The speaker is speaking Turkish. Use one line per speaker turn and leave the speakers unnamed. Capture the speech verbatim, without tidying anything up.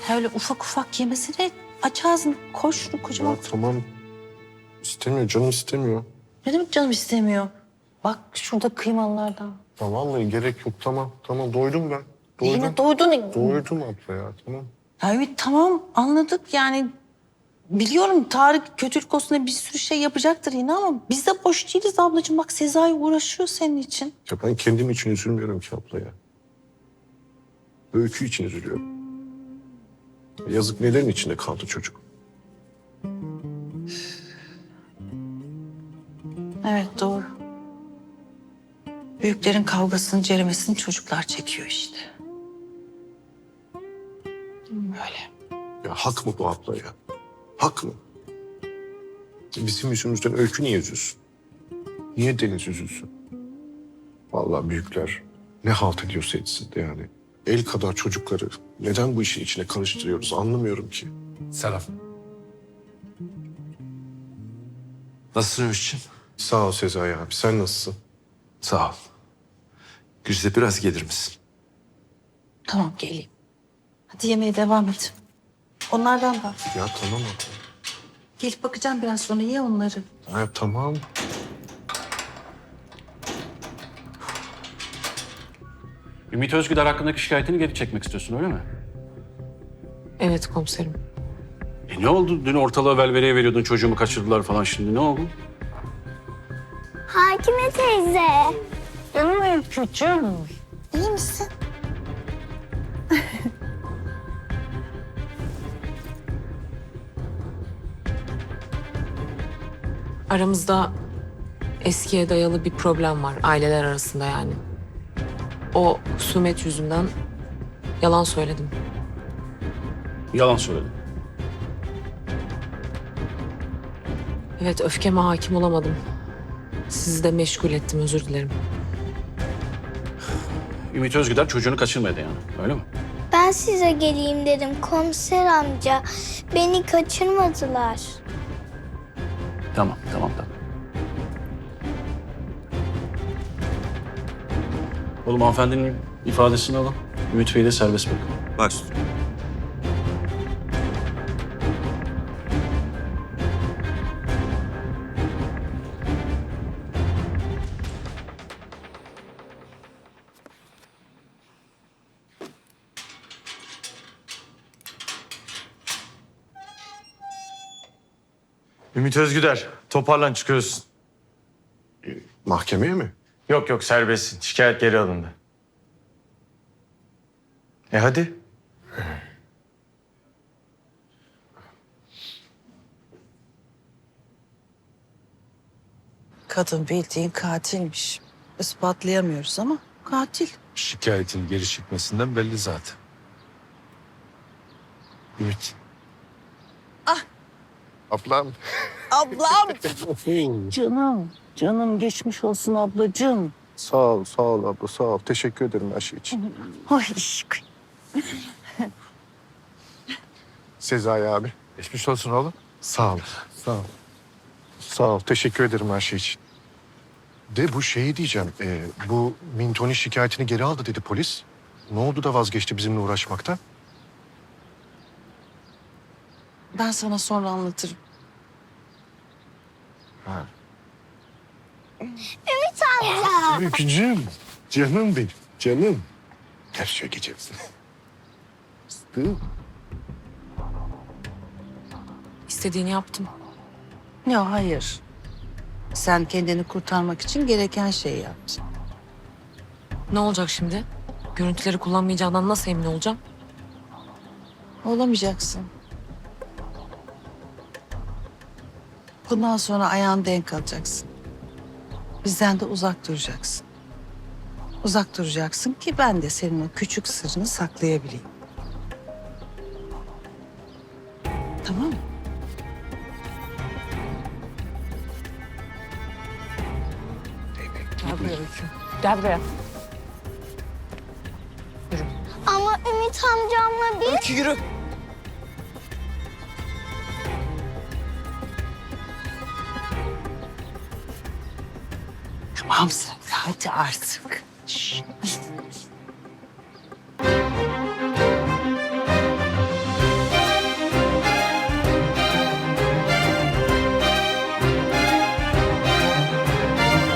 Ha, öyle ufak ufak yemesine aç ağzını, koy şunu kocaman.
Ya tamam. İstemiyor, canım istemiyor.
Ne demek canım istemiyor? Bak şurada kıymalılardan.
Ya vallahi gerek yok, tamam. Tamam, doydum ben. Doydum.
Yine doydun.
Doydum abla ya, tamam.
Ya evet tamam anladık yani. Biliyorum Tarık kötülük olsun diye bir sürü şey yapacaktır yine ama biz de boş değiliz ablacığım. Bak Sezai uğraşıyor senin için.
Ya ben kendim için üzülmüyorum ki abla ya. Öykü için üzülüyorum. Yazık, nelerin içinde kaldı çocuk.
Evet doğru. Büyüklerin kavgasını, ceremesini çocuklar çekiyor işte. Öyle.
Ya hak mı bu abla ya? Hak mı? Bizim yüzümüzden Öykü niye üzülsün? Niye Deniz üzülsün? Vallahi büyükler ne halt ediyorsa etsin de yani. El kadar çocukları neden bu işin içine karıştırıyoruz anlamıyorum ki.
Selam. Nasılsın Ümit'ciğim?
Sağ ol Sezai abi, sen nasılsın?
Sağ ol. Güzide biraz gelir misin?
Tamam geleyim. Hadi yemeğe devam et. Onlardan da.
Ya tamam abla.
Gelip bakacağım biraz sonra ye onları.
Ya tamam.
Ümit Özgüder hakkındaki şikayetini geri çekmek istiyorsun öyle mi?
Evet komiserim.
E ne oldu? Dün ortalığı velveleye veriyordun, çocuğumu kaçırdılar falan, şimdi ne oldu?
Hakime teyze.
Canım öykücüğüm. İyi misin?
Aramızda eskiye dayalı bir problem var aileler arasında yani. O husumet yüzünden yalan söyledim.
Yalan söyledin.
Evet öfkeme hakim olamadım. Sizi de meşgul ettim özür dilerim.
Ümit Özgüder çocuğunu kaçırmadı yani, öyle mi?
Ben size geleyim dedim komiser amca. Beni kaçırmadılar.
Tamam, tamam, tamam. Oğlum hanımefendinin ifadesini alın. Ümit Bey'i de serbest bırakın.
Bak.
Ümit Özgüder, toparlan çıkıyorsun.
Mahkemeye mi?
Yok yok serbestsin. Şikayet geri alındı. E hadi.
Kadın bildiğin katilmiş. Ispatlayamıyoruz ama katil.
Şikayetin geri çıkmasından belli zaten.
Ümit. Ah. Ablam.
Ablam. Canım, canım geçmiş olsun ablacığım.
Sağ ol, sağ ol abla, sağ ol. Teşekkür ederim her şey için.
Ay aşkım.
Sezai abi.
Geçmiş olsun oğlum.
Sağ ol. Sağ ol. Sağ ol. Teşekkür ederim her şey için. De bu şeyi diyeceğim. e, bu Mintoni şikayetini geri aldı dedi polis. Ne oldu da vazgeçti bizimle uğraşmaktan?
Ben sana sonra anlatırım.
Ha.
Ümit amca.
Öykücüğüm. Canım benim. Canım. Gel şöyle geçelim. Fıstığım.
İstediğini yaptım.
Ya hayır. Sen kendini kurtarmak için gereken şeyi yaptın.
Ne olacak şimdi? Görüntüleri kullanmayacağından nasıl emin olacağım?
Olamayacaksın. Bundan sonra ayağın denk alacaksın. Bizden de uzak duracaksın. Uzak duracaksın ki ben de senin o küçük sırrını saklayabileyim. Tamam mı?
Gel buraya Öykü. Gel buraya.
Ama Ümit amcamla biz...
Öykü yürü. Tamam sen hadi artık. Şş.